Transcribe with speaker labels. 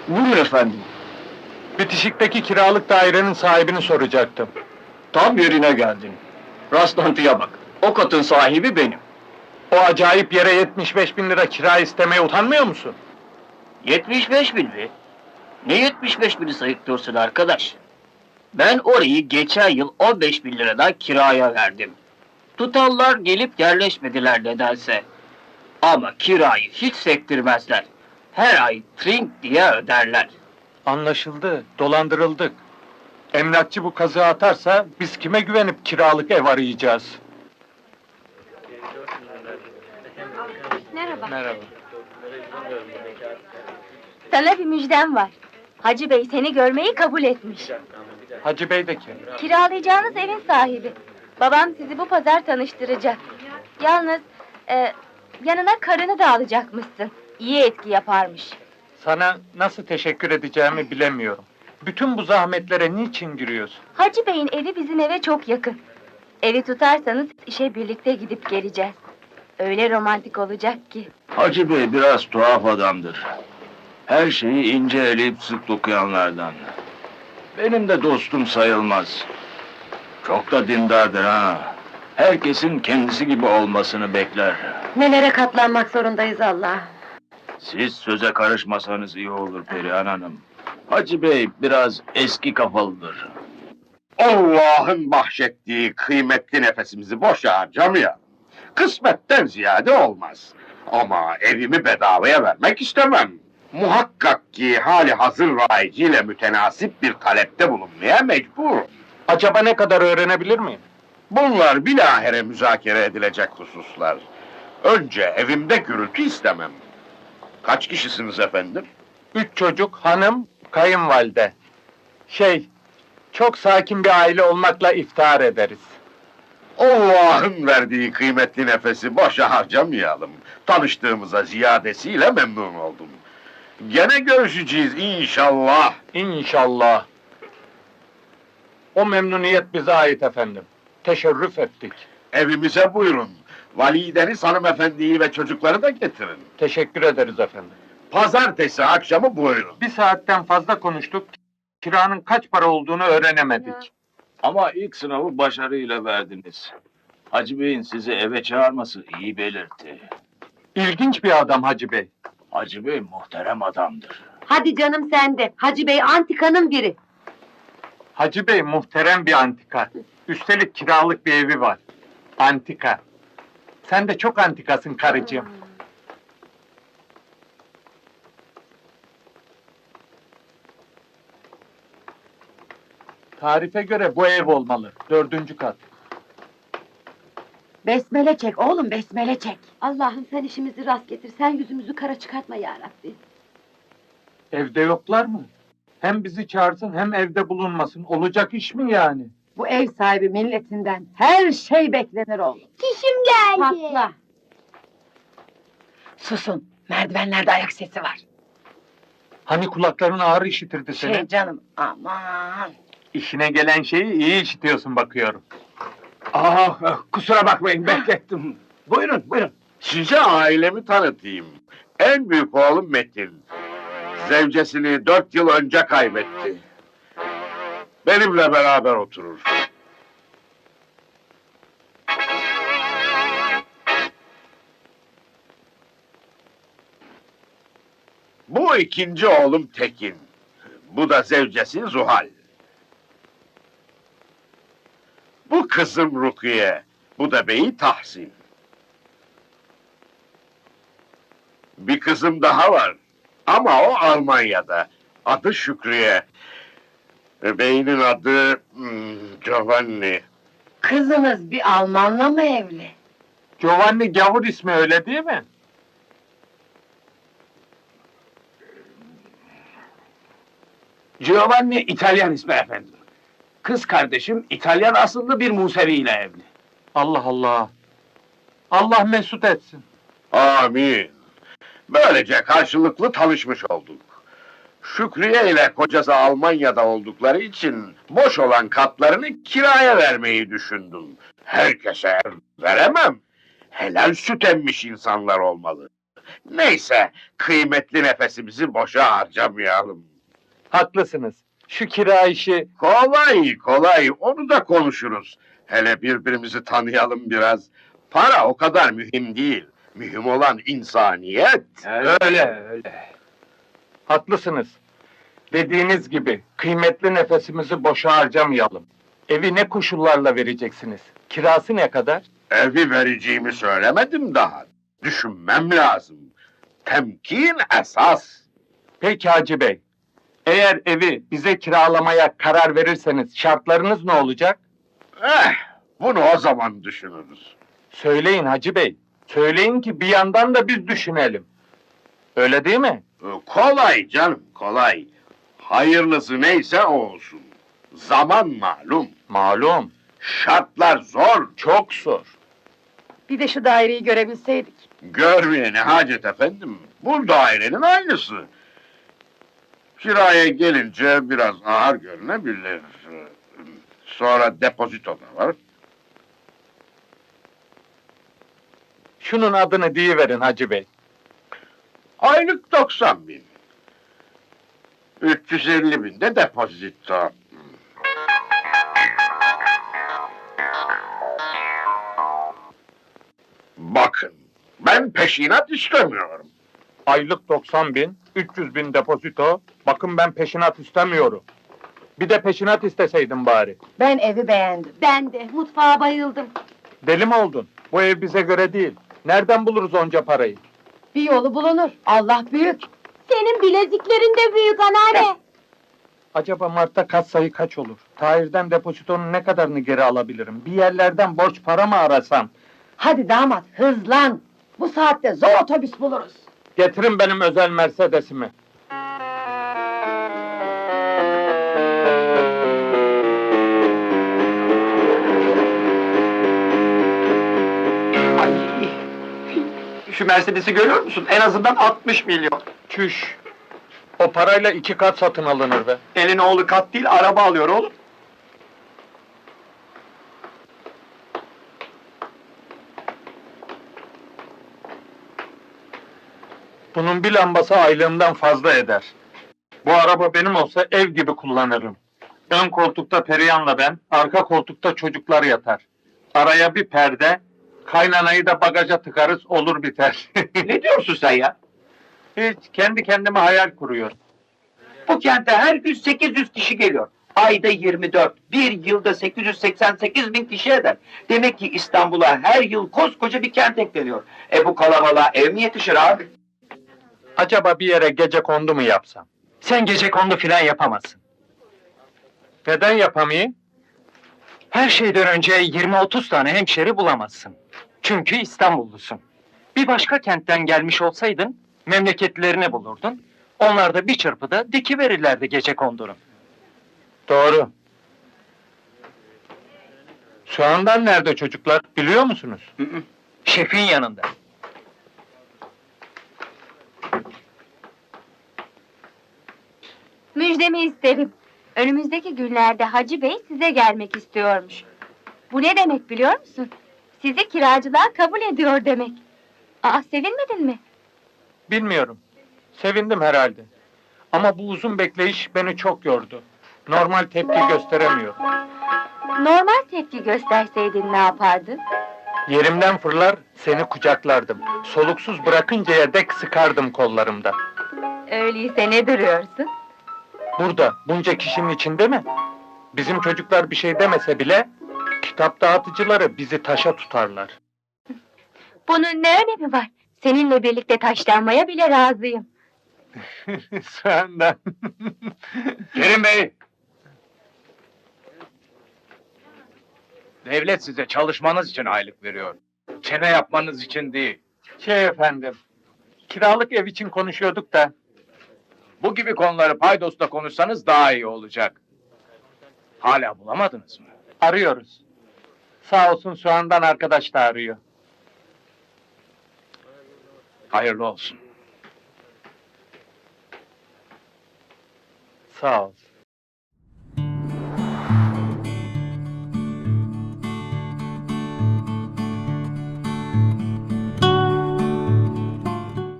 Speaker 1: Buyurun efendim.
Speaker 2: Bitişikteki kiralık dairenin sahibini soracaktım.
Speaker 1: Tam yerine geldin. Rastlantıya bak. O katın sahibi benim.
Speaker 2: O acayip yere 75.000 lira kira istemeye utanmıyor musun?
Speaker 1: 75.000 mi? Ne 75.000'i sayıklıyorsun arkadaş? Ben orayı geçen yıl 15.000 liradan kiraya verdim. Tutallar gelip yerleşmediler nedense. Ama kirayı hiç sektirmezler. Her ay trink diye öderler.
Speaker 2: Anlaşıldı, dolandırıldık. Emlakçı bu kazığı atarsa biz kime güvenip kiralık ev arayacağız?
Speaker 3: Merhaba.
Speaker 2: Merhaba.
Speaker 3: Sana bir müjdem var. Hacı Bey seni görmeyi kabul etmiş.
Speaker 2: Hacı Bey de kim?
Speaker 3: Kiralayacağınız evin sahibi. Babam sizi bu pazar tanıştıracak. Yalnız yanına karını da alacakmışsın. İyi etki yaparmış.
Speaker 2: Sana nasıl teşekkür edeceğimi bilemiyorum. Bütün bu zahmetlere niçin giriyorsun?
Speaker 3: Hacı Bey'in evi bizim eve çok yakın. Evi tutarsanız işe birlikte gidip geleceğiz. Öyle romantik olacak ki.
Speaker 4: Hacı Bey biraz tuhaf adamdır. Her şeyi ince eleyip sık dokuyanlardan. Benim de dostum sayılmaz. Çok da dindardır ha. Herkesin kendisi gibi olmasını bekler.
Speaker 5: Nelere katlanmak zorundayız Allah.
Speaker 4: Siz söze karışmasanız iyi olur Perihan Hanım. Hacı Bey biraz eski kafalıdır.
Speaker 6: Allah'ın bahşettiği kıymetli nefesimizi boşa harcamayalım. Kısmetten ziyade olmaz. Ama evimi bedavaya vermek istemem. Muhakkak ki hali hazır rayiciyle mütenasip bir talepte bulunmaya mecburum.
Speaker 2: Acaba ne kadar öğrenebilir miyim?
Speaker 6: Bunlar bilahare müzakere edilecek hususlar. Önce evimde gürültü istemem. Kaç kişisiniz efendim?
Speaker 2: 3 çocuk, hanım, kayınvalide. Çok sakin bir aile olmakla iftihar ederiz.
Speaker 6: Allah'ın verdiği kıymetli nefesi boşa harcamayalım. Tanıştığımıza ziyadesiyle memnun oldum. Gene görüşeceğiz inşallah.
Speaker 2: İnşallah. O memnuniyet bize ait efendim. Teşerrüf ettik.
Speaker 6: Evimize buyurun. Valideniz hanımefendiyi ve çocukları da getirin.
Speaker 2: Teşekkür ederiz efendim.
Speaker 6: Pazartesi akşamı buyurun.
Speaker 2: Bir saatten fazla konuştuk. Kiranın kaç para olduğunu öğrenemedik.
Speaker 4: Ama ilk sınavı başarıyla verdiniz. Hacı Bey'in sizi eve çağırması iyi belirtti.
Speaker 2: İlginç bir adam Hacı Bey.
Speaker 4: Hacı Bey muhterem adamdır.
Speaker 5: Hadi canım sen de. Hacı Bey antikanın biri.
Speaker 2: Hacı Bey muhterem bir antika. Üstelik kiralık bir evi var. Antika. Sen de çok antikasın karıcığım. Tarife göre bu ev olmalı. 4. kat.
Speaker 5: Besmele çek oğlum, besmele çek. Allah'ım sen işimizi rast getir. Sen yüzümüzü kara çıkartma ya Rabbi.
Speaker 2: Evde yoklar mı? Hem bizi çağırsın hem evde bulunmasın. Olacak iş mi yani?
Speaker 5: Bu ev sahibi milletinden her şey beklenir oğlum.
Speaker 3: Çişim geldi.
Speaker 5: Patla. Susun. Merdivenlerde ayak sesi var.
Speaker 2: Hani kulakların ağır işitirdi seni?
Speaker 5: Canım aman.
Speaker 2: İşine gelen şeyi iyi işitiyorsun bakıyorum.
Speaker 6: Kusura bakmayın beklettim. Buyurun buyurun. Size ailemi tanıtayım. En büyük oğlum Metin. Zevcesini 4 yıl önce kaybetti. Benimle beraber oturur. Bu ikinci oğlum Tekin. Bu da zevcesi Zuhal. Bu kızım Rukiye. Bu da beyi Tahsin. Bir kızım daha var. Ama o Almanya'da. Adı Şükriye. Beyinin adı Giovanni.
Speaker 5: Kızınız bir Almanla mı evli?
Speaker 2: Giovanni gavur ismi öyle değil mi?
Speaker 1: Giovanni İtalyan ismi efendim. Kız kardeşim İtalyan asıllı bir Musevi ile evli.
Speaker 2: Allah Allah. Allah mesut etsin.
Speaker 6: Amin. Böylece karşılıklı tanışmış olduk. Şükriye ile kocası Almanya'da oldukları için boş olan katlarını kiraya vermeyi düşündüm. Herkese veremem. Helal süt emmiş insanlar olmalı. Neyse, kıymetli nefesimizi boşa harcamayalım.
Speaker 2: Haklısınız. Şu kira işi...
Speaker 6: Kolay kolay, onu da konuşuruz. Hele birbirimizi tanıyalım biraz. Para o kadar mühim değil. Mühim olan insaniyet.
Speaker 2: Öyle. Haklısınız. Dediğiniz gibi kıymetli nefesimizi boşa harcamayalım. Evi ne koşullarla vereceksiniz? Kirası ne kadar?
Speaker 6: Evi vereceğimi söylemedim daha. Düşünmem lazım. Temkin esas.
Speaker 2: Peki Hacı Bey. Eğer evi bize kiralamaya karar verirseniz şartlarınız ne olacak?
Speaker 6: Bunu o zaman düşünürüz.
Speaker 2: Söyleyin Hacı Bey. Söyleyin ki bir yandan da biz düşünelim. Öyle değil mi?
Speaker 6: Kolay canım, kolay. Hayırlısı neyse o olsun. Zaman malum.
Speaker 2: Malum.
Speaker 6: Şartlar zor.
Speaker 2: Çok zor.
Speaker 5: Bir de şu daireyi görebilseydik.
Speaker 6: Görmeye ne hacet efendim. Bu dairenin aynısı. Kiraya gelince biraz ağır görünebilir. Sonra depozito da var.
Speaker 2: Şunun adını deyiverin Hacı Bey.
Speaker 6: Aylık 90.000. 350.000 de depozito. Bakın, ben peşinat istemiyorum.
Speaker 2: Aylık 90.000, 300.000 depozito. Bakın ben peşinat istemiyorum. Bir de peşinat isteseydim bari.
Speaker 5: Ben evi beğendim. Ben de mutfağa bayıldım.
Speaker 2: Deli mi oldun? Bu ev bize göre değil. Nereden buluruz onca parayı?
Speaker 5: Bir yolu bulunur. Allah büyük. Senin bileziklerin de büyük anneanne.
Speaker 2: Acaba Mart'ta katsayı kaç olur? Tahir'den depozitonun ne kadarını geri alabilirim? Bir yerlerden borç para mı arasam?
Speaker 5: Hadi damat hızlan. Bu saatte zor otobüs buluruz.
Speaker 2: Getirin benim özel Mercedes'imi.
Speaker 7: Şu Mercedes'i görüyor musun? En azından 60 milyon.
Speaker 2: Çüş! O parayla 2 kat satın alınır be.
Speaker 7: Elin oğlu kat değil, araba alıyor oğlum.
Speaker 2: Bunun bir lambası aylığımdan fazla eder. Bu araba benim olsa ev gibi kullanırım. Ön koltukta Perihan'la ben, arka koltukta çocuklar yatar. Araya bir perde, kaynanayı da bagaja tıkarız, olur biter.
Speaker 7: Ne diyorsun sen ya?
Speaker 2: Hiç, kendi kendime hayal kuruyorum.
Speaker 7: Bu kente her gün 800 kişi geliyor. Ayda 24, bir yılda 888 bin kişi eder. Demek ki İstanbul'a her yıl koskoca bir kent ekleniyor. Bu kalabalığa ev mi yetişir abi?
Speaker 2: Acaba bir yere gecekondu mu yapsam?
Speaker 8: Sen gecekondu filan yapamazsın.
Speaker 2: Neden yapamayayım?
Speaker 8: Her şeyden önce 20-30 tane hemşeri bulamazsın. Çünkü İstanbullusun. Bir başka kentten gelmiş olsaydın, memleketlerini bulurdun. Onlar da bir çırpıda dikiverirlerdi gecekondunu.
Speaker 2: Doğru. Şu anda nerede çocuklar, biliyor musunuz?
Speaker 8: Şefin yanında.
Speaker 3: Müjdemi isterim. Önümüzdeki günlerde Hacı Bey size gelmek istiyormuş. Bu ne demek biliyor musun? Sizi kiracılığa kabul ediyor demek. Aa, sevinmedin mi?
Speaker 2: Bilmiyorum. Sevindim herhalde. Ama bu uzun bekleyiş beni çok yordu. Normal tepki gösteremiyorum.
Speaker 3: Normal tepki gösterseydin ne yapardın?
Speaker 2: Yerimden fırlar, seni kucaklardım. Soluksuz bırakıncaya dek sıkardım kollarımda.
Speaker 3: Öyleyse ne duruyorsun?
Speaker 2: Burada, bunca kişinin içinde mi? Bizim çocuklar bir şey demese bile, kitap dağıtıcıları bizi taşa tutarlar.
Speaker 3: Bunun ne önemi var? Seninle birlikte taşlanmaya bile razıyım.
Speaker 2: Senden.
Speaker 4: Kerim Bey! Devlet size çalışmanız için aylık veriyor. Çene yapmanız için değil.
Speaker 2: Efendim, kiralık ev için konuşuyorduk da,
Speaker 4: Bu gibi konuları paydosla konuşsanız daha iyi olacak. Hala bulamadınız mı?
Speaker 2: arıyoruz. Sağ olsun Soğan'dan arkadaş da arıyor.
Speaker 4: Hayırlı olsun.
Speaker 2: Sağ ol.